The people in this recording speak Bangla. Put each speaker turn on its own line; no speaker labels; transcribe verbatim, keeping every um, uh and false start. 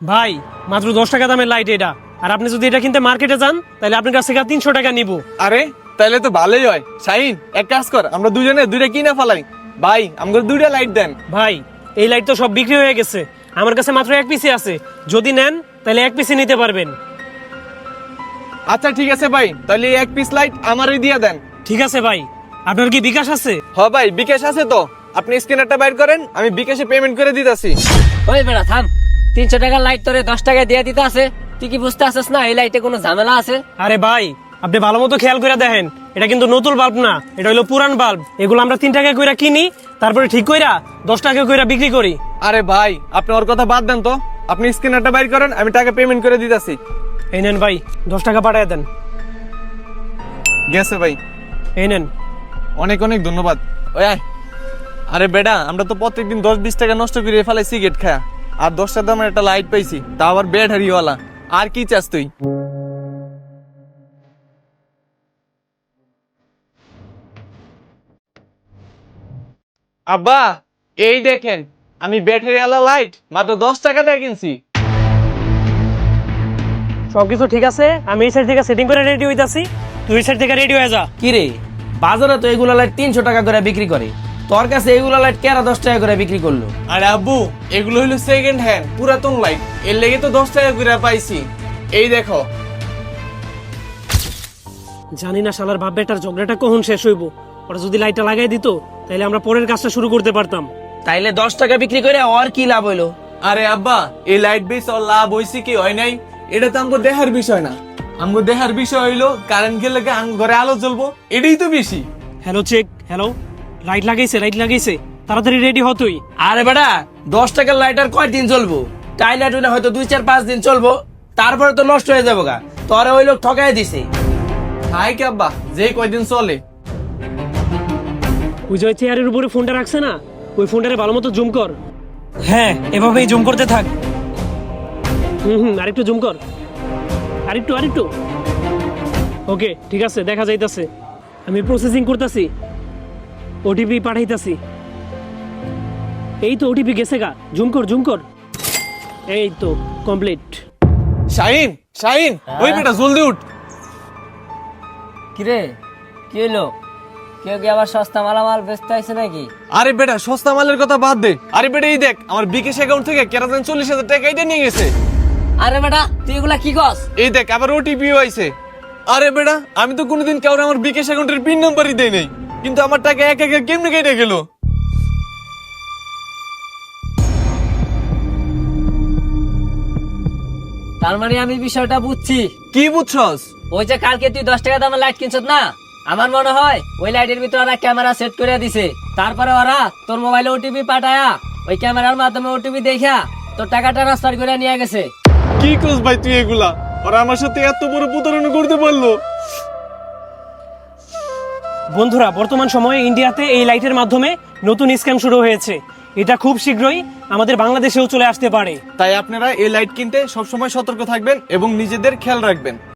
ভাই মাত্র দশ টাকা দামের লাইট এটা, আর আপনি যদি এটা কিনতে মার্কেটে যান তাহলে আপনার কাছ থেকে তিনশো টাকা নিব।
আরে তাহলে তো ভালোই হয়। শাহিন, এক কাজ কর, আমরা দুজনে দুইটা কিনে ফেলাই। ভাই আমাকে দুইটা লাইট দেন।
ভাই এই লাইট তো সব বিক্রি হয়ে গেছে, আমার কাছে মাত্র এক পিসি আছে, যদি নেন তাহলে এক পিসি নিতে পারবেন।
আচ্ছা ঠিক আছে ভাই, তাহলে এই এক পিস লাইট আমারই দিয়ে দেন।
ঠিক আছে ভাই, আপনার কি বিকাশ আছে?
হ ভাই, বিকাশ আছে তো, আপনি স্ক্যানারটা বাইর করেন, আমি বিকাশে পেমেন্ট করে দিতেছি।
ওই বেড়া থাম, তিনশো টাকার লাইট তোরে দশ টাকায় দিয়ে দিতে আছে। তুই কি বুঝতে আসিস না এই লাইটে কোনো ঝামেলা আছে?
আরে ভাই আপনি ভালো মতো খেয়াল করে দেখেন, এটা কিন্তু নতুন বাল্ব না, এটা হলো পুরান বাল্ব। এগুলো আমরা তিন টাকা কইরা কিনি, তারপরে ঠিক কইরা দশ টাকা কইরা বিক্রি করি।
আরে ভাই আপনি ওর কথা বাদ দেন তো, আপনি স্ক্যানারটা বাইর করেন, আমি টাকা পেমেন্ট করে দিতেছি।
এই নেন ভাই, দশ টাকা পাঠায় দেন।
গেছে ভাই,
এই নেন।
অনেক অনেক ধন্যবাদ। ওই আয়। আরে বেটা, আমরা তো প্রত্যেকদিন দশ বিশ টাকা নষ্ট করে ফেলাই সিগারেট খায়া, আর দশটা দামের একটা লাইট পাইছি, তা আবার ব্যাটারিওয়ালা। আর কি চাস তুই? আব্বা এই দেখেন, আমি ব্যাটারিওয়ালা লাইট মাত্র দশ টাকা দিয়ে কিনছি।
সবকিছু ঠিক আছে, আমি এই সাইড থেকে সেটিং করে রেডি হইতাছি, তুই এই সাইড থেকে রেডি হয়ে যা।
কি রে, বাজারে তো এগুলা লাইট তিনশো টাকা করে বিক্রি করে, তোর কাছে এগুলা লাইট কেরা দশ টাকা করে বিক্রি করলো?
আরে আব্বু, এগুলো হলো সেকেন্ড হ্যান্ড পুরাতন লাইট, এর লেগে তো দশ টাকা করে পাইছি। এই দেখো।
জানি না শালার বাপ বেটার ঝগড়াটা কখন শেষ হইব, ওরা যদি লাইটটা লাগাই দিত তাহলে আমরা পরের কাজটা শুরু করতে পারতাম।
তাইলে দশ টাকা বিক্রি করে আর কি লাভ হইলো?
আরে আব্বা, এই লাইট বেস আর লাভ হইছে কি হয় নাই, এটা তো আমগো দেখার বিষয় না। আমগো দেখার বিষয় হইলো কারেন্ট গেলে আম ঘরে আলো জ্বলবো, এটাই তো বেশি।
হ্যালো চেক, হ্যালো, লাইট লাগাইছে, লাইট লাগাইছে, তাড়াতাড়ি রেডি হ তুই।
আরে বেটা, দশ টাকার লাইট আর কয়দিন চলবো? টাই লাইট হইলে হয়তো দুই চার পাঁচ দিন চলবো, তারপরে তো নষ্ট হয়ে যাবো গা। তোরে ওই লোক ঠকাই দিছে।
হাই কি আব্বা, যে কয়দিন চলে।
ওই যে চেয়ারের উপরে ফোনটা রাখছে না, ওই ফোনটারে ভালো মতো জুম কর। হ্যাঁ, এভাবেই জুম করতে থাক। হুম হুম আরেকটু জুম কর, আরেকটু আরেকটু। ওকে ঠিক আছে, দেখা যাইতাছে। আমি প্রসেসিং করতেছি, ওটিপি পাঠাইতাছি। এই তো ওটিপি গেছে গা, জুম কর জুম কর। এই তো কমপ্লিট।
শাহিন, শাহিন, ওই বেটা জলদি উঠ।
কিরে কি হলো? কেউ কি আবার সস্তা মালামাল বেচতে আইছে নাকি?
আরে বেটা, সস্তা মালের কথা বাদ দে। আরে বেটা এই দেখ, আমার বিকাশ অ্যাকাউন্ট থেকে কেরাজান চল্লিশ হাজার টাকা এটা নিয়ে গেছে।
আরে বেটা তুই এগুলা কি কস?
এই দেখ, আবার ওটিপিও আইছে। আরে বেটা, আমি তো কোনোদিন কাউরে আমার বিকাশ অ্যাকাউন্টের পিন নাম্বারই দেই নাই, কিন্তু আমার টাকা এক এক কেমনে কেটে গেল।
তার মানে আমি বিষয়টা বুঝছি।
কি বুঝছস?
ওই যে কালকে তুই দশ টাকা দামের লাইট কিনছত না, আমার মনে হয় ওই লাইটের ভিতরে ওরা ক্যামেরা সেট করে দিছে। তারপরে ওরা তোর মোবাইলে ওটিপি পাঠায়া ওই ক্যামেরার মাধ্যমে ওটিপি দেখা তোর টাকা ট্রান্সফার করে নিয়ে গেছে।
কি কস ভাই তুই এগুলা? ওরা আমার সাথে এত বড় প্রতারণা করতে পারলো?
বন্ধুরা, বর্তমান সময়ে ইন্ডিয়াতে এই লাইটের মাধ্যমে নতুন স্ক্যাম শুরু হয়েছে, এটা খুব শীঘ্রই আমাদের বাংলাদেশেও চলে আসতে পারে।
তাই আপনারা এই লাইট কিনতে সবসময় সতর্ক থাকবেন এবং নিজেদের খেয়াল রাখবেন।